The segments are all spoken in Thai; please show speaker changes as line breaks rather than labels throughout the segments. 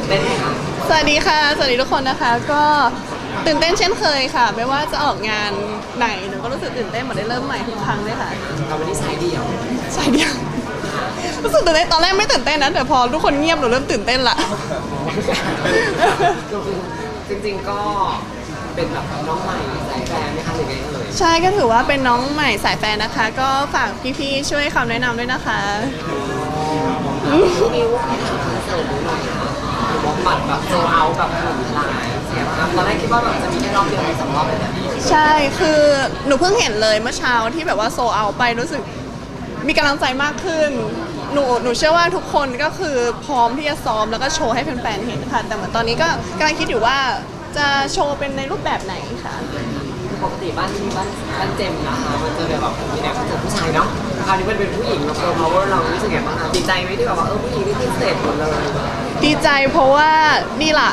เต้นไหมคะ
สวัสดีค่ะสวัสดีทุกคนนะคะก็ตื่นเต้นเช่นเคยค่ะไม่ว่าจะออกงานไหนหนูก็รู้สึกตื่นเต้นเหมือนได้เริ่มใหม่ทุกครั้งเลยค่ะ
เราวันนี้สายเดี่ยว
สายเดียวรู้สึกตื่นเต้นตอนแรกไม่ตื่นเต้นนะแต่พอทุกคนเงียบหนูเริ่มตื่นเต้นละ
จริงๆก็เป็นแบบน้องใหม่สายแฟนไหมคะหรือไงเอ่ย
ใช่ก็ถือว่าเป็นน้องใหม่สายแฟนนะคะก็ฝากพี่ๆช่วยคำแนะนำด้วยนะคะ
พี่มิวพี่ถามคอนเสิร์ตดูหน่อยค่ะหรือว่าบัตรแบบโซลเอาท์แบบหลายเสียมากตอนแรกคิดว่าแบบจะมีแค่รอบเดียวหรือ2 รอบแบบนี้
ใช่คือหนูเพิ่งเห็นเลยเมื่อเช้าที่แบบว่าโซเอาไปรู้สึกมีกำลังใจมากขึ้นหนูเชื่อว่าทุกคนก็คือพร้อมที่จะซ้อมแล้วก็โชว์ให้แฟนๆเห็นค่ะแต่เหมือนตอนนี้ก็กำลังคิดอยู่ว่าจะโชว์เป็นในรูปแบบไหนค่ะ
ปกติบ้านเจมนะคะมันจะแบบมีแนวคอนเสิร์ตผู้ชายเนาะคราวนี้มันเป็นผู้หญิงเราเพิ่ม power เรารู้สึกไงบ้างคะดีใจไหมที่แบบว่าผู้หญิงที่พิเศษหมดเลย
ดีใจเพราะว่านี่ล่ะ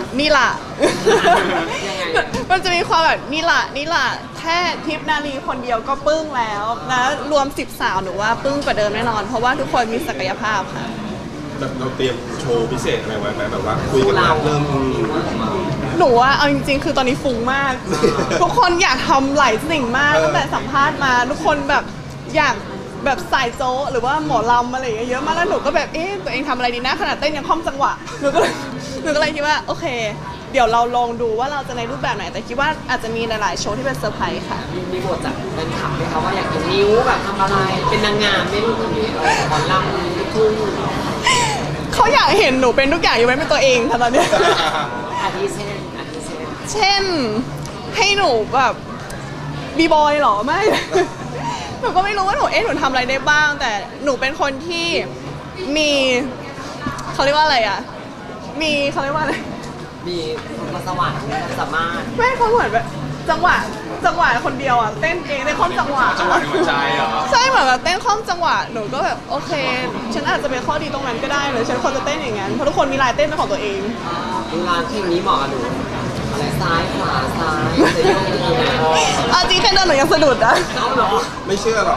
มันจะมีความแบบนี่ล่ะแค่ทิพนาลีคนเดียวก็ปึ้งแล้วนะรวม10 สาวหนูว่าปึ้งกว่าเดิมแน่นอนเพราะว่าทุกคนมีศักยภาพค่ะ
แบบเราเตรียมโชว์พิเศษอะไรไว้ไหมแบบว่าคุยกันเริ่ม
หนูว่าเอาจริงๆคือตอนนี้ฟุ้งมากทุกคนอยากทำหลายสิ่งมากตั้งแต่สัมภาษณ์มาทุกคนแบบอยากแบบสายโจ๊หรือว่าหมอลำอะไรเยอะมากแล้วหนูก็แบบตัวเองทำอะไรดีนะขนาดเต้นยังคล่อมจังหวะหนูก็เลยคิดว่าโอเคเดี๋ยวเราลองดูว่าเราจะในรูปแบบไหนแต่คิดว่าอาจจะมีหลายๆโชว์ที่เป็นเซอร์ไพรส์ค่ะ
มีบทจากแฟนคลับไหมคะว่าอยากเห็นนิ้วแบบทำอะไรเป็นนางงามไม่รู้คนนี้หมอลำลูกทุ่ง
เขาอยากเห็นหนูเป็นทุกอย่างอยู่ไม่เป็นตัวเองค่ะตอนนี้
อาทิ
เช่นให้หนูแบบบีบอยหรอไม่หนูก็ไม่รู้ว่าหนูทำอะไรได้บ้างแต่หนูเป็นคนที่มีเขาเรียกว่าอะไรอ่ะเขาเรียกว่าอะไร
มีพรสวรรค์สามารถ
ไม่เขาเหมือนแบบจังหวะคนเดียวอ่ะเต้นเองเต้นคล่อมจังหวะ
ในหัวใจเหรอ
ใช่เหมือนแบบเต้นคล่อมจังหวะหนูก็แบบโอเคฉันอาจจะเป็นข้อดีตรงนั้นก็ได้หรือฉันควรจะเต้นอย่างนั้นเพราะทุกคนมีลายเต้นเป็นของตัวเอง
เวลาเพลงนี้เหมาะกับหนูอะไรซ้ายขวาซ้ายจะโยกยังไง
จริงแค่เดินหนูยังสะดุดอะ
เอาเหรอ
ไม่เชื่อหรอก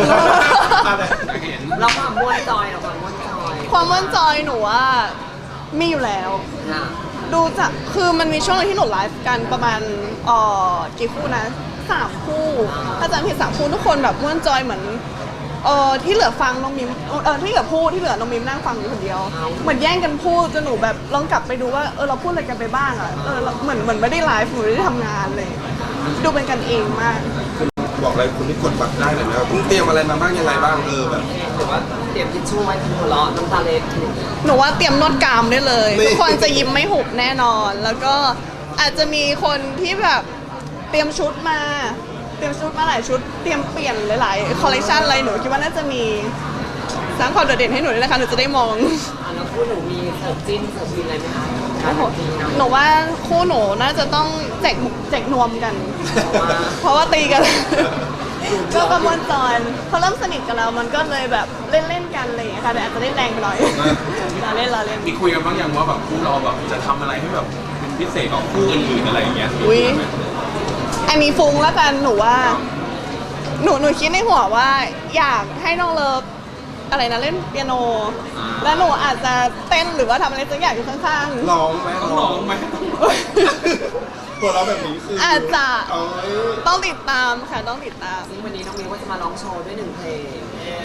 เราความม้วนจอย
ความม้วนจอยหนูว่ามีอยู่แล้วดูจากคือมันมีช่วงนึงที่หนูไลฟ์กันประมาณกี่คู่นะ3 คู่ถ้าจำผิด3 คู่ทุกคนแบบม้วนจอยเหมือนที่เหลือฟังน้องมิมที่เหลือพูดที่เหลือน้องมิมนั่งฟังอยู่คนเดียวเหมือนแย่งกันพูดจนหนูแบบลองกลับไปดูว่าเราพูดอะไรกันไปบ้างอ่ะเหมือนไม่ได้ไลฟ์หนูไม่ได้ทำงานเลยดูเป็นกันเองมาก
บอกอะไรคุณที่กดบัตรได้เลยนะคุณเตรียมอะไรมาบ้างยังไงบ้างแบบ
หรือว่าเตรียมทิชชู่ไว้หัวเราะน้ำตาเล็ด
หนูว่าเตรียมนวดกรามได้เลยทุกคนจะยิ้มไม่หุบแน่นอนแล้วก็อาจจะมีคนที่แบบเตรียมชุดมาหลายชุดเตรียมเปลี่ยนหลายๆคอลเลคชันอะไรหนูคิดว่าน่าจะมีสร้างความโดดเด่นให้หนูด้วยนะคะหนูจะได้มอง
แล้วคู่หนูมีเสิร์ฟจิ้นเสิร์ฟวินอะไรไหมคะ
หนูว่าคู่หนูน่าจะต้องแจกนวมกันเพราะว่าตีกันก็กระมวลจอยเขาเริ่มสนิทกันแล้วมันก็เลยแบบเล่นกันอะไรอย่างเงี้ยค่ะแต่อาจจะเล่นแรงไปหน่อยเราเล่น
มีคุยกันบ้างยังว่าแบบคู่เราแบบจะทำอะไรให้แบบพิเศษกว่าคู่อื่นๆอะไรอย่างเงี้ย
อันนี้ฟุ้งแล้วกันหนูว่าหนูคิดในหัวว่าอยากให้น้องเลิฟอะไรนะเล่นเปียโนแล้วหนูอาจจะเต้นหรือว่าทำอะไรสักอย่างอยู่ข้าง
ๆร้องไหมตัวเราแบบนี้คือ
อาจจะต้องติดตามค่ะต้องติดตาม
ซึ่งวันนี้น้องมิวก็จะมาร้องโชว์ด้วย1 เพลง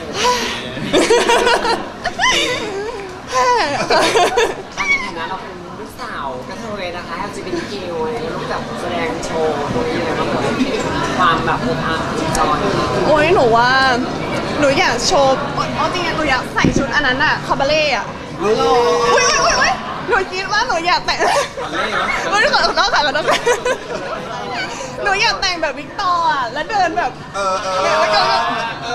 ในฐานะเราเป็นลูกสาวกระเทยนะคะ LGBTQ ลูกแบบแสดงโชว์ตรงนี้อะไรบ้างความแบบอบอุ่นจอย
โอ้ยหนูว่าหนูอยากโชว์จริงๆหนูอยากใส่ชุดอันนั้นอะคาบาเล่อะอุ้ยหนูคิดว่าหนูอยากแต่งขอโทษหนูอยากแต่งแบบวิกตอร์อะแล้วเดินแบบแล้วก็แบบ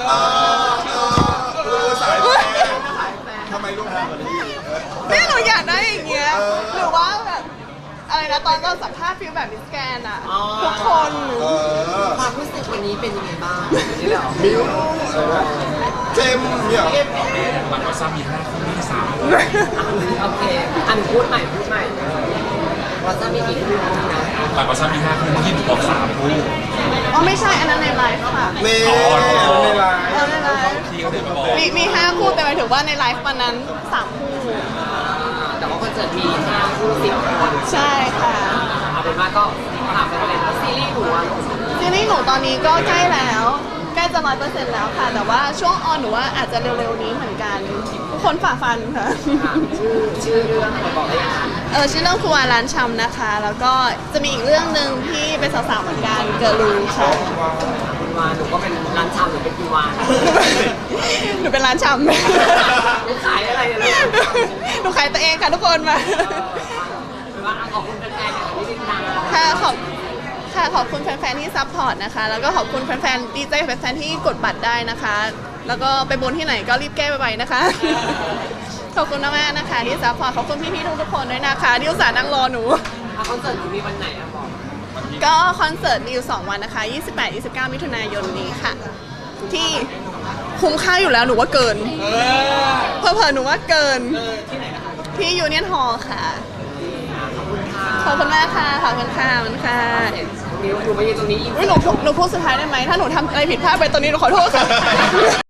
สายแฟนทำไมลูกทำแบบนี้
เนี่ยหนูอยากได้อย่างเงี้ยหรือว่าแบบอะไรนะตอนสัมภาษณ์ฟิลแบบมิสแกนอะทุกคน
ความรู้สึกวันนี้เป็นยังไงบ้าง
มิวเจมเนี่ย
มันก็ซ้ำมี5 คู่ไม่ได้3
โอเคอันพูดใหม่ว่าจะมีกี่คู่นะ
มันก็ซ้ำมี5 คู่ที่บอก3 คู่
ไม่ใช่อันนั้นในไลฟ์ค่ะ
ในไลฟ์
ที่เขาเดินมาบอก
มี5 คู่แต่หมายถึงว่าในไลฟ์วันนั้น3 คู่
แต่ว่าคอนเสิร์ตสิร์ตมี5 คู่ 10 คน
ใช่ค่ะ
เอาเป็นว่าก็ถามไปเลยว่าซีรีส์หนูอะลูก
ซีรีส์หนูตอนนี้ก็ใกล้แล้วใกล้จะ100%แล้วค่ะ แต่ว่าช่วงออนหนูว่าอาจจะเร็วๆนี้เหมือนกันทุกคนฝ่าฟันค่ะ
ค่ะชื่อเรื่องอะไรบอกได้ยังคะ
ชื่อเรื่องครัวร้านชำนะคะ แล้วก็จะมีอีกเรื่องหนึ่งที่เป็นสาวๆเหมือนกันเกิร์ลรูค่ะ
คุณวานหนูก็เป็นร้านชำหรือเป็นคุณวาน
หนูเป็นร้านชำ
หนูขายอะไรเนี่ยลูก
หนูขายตัวเองค่ะทุกคนมา
เป็นว่าขอบคุณแฟนๆอย่างที่ติดตาม
ค่ะขอบคุณแฟนๆที่ซัพพอร์ตนะคะ แล้วก็ขอบคุณแฟนๆดีใจกับแฟนๆที่กดบัตรได้นะคะ แล้วก็ไปบนที่ไหนก็รีบแก้ไปนะคะ ขอบคุณมากๆนะคะที่ซัพพอร์ตขอบคุณพี่ๆทุกๆคนด้วยนะคะที่อุตส่าห์นั่งรอหนู
คอนเสิร์ตหนูมีวันไหนอะบอก
ก็คอนเสิร์ตมีอยู่2วันนะคะ 28-29 มิถุนายนนี้ค่ะ ที่คุ้มค่าอยู่แล้วหนูว่าเกินเผลอๆหนูว่าเกิน
ที่ไหนนะคะ
ที่ยูเนียนฮอลล์ค่ะ
ขอบคุณค่ะ
ขอบคุณมากค่ะ ขอบคุณค่ะขอบคุณค่ะ
เสร็จตรงนี้หนูมายืนตรงนี้อีก
อุ๊ยหนูพูดสุดท้ายได้ไหม ถ้าหนูทำอะไรผิดพลาดไปตอนนี้หนูขอโทษค่ะ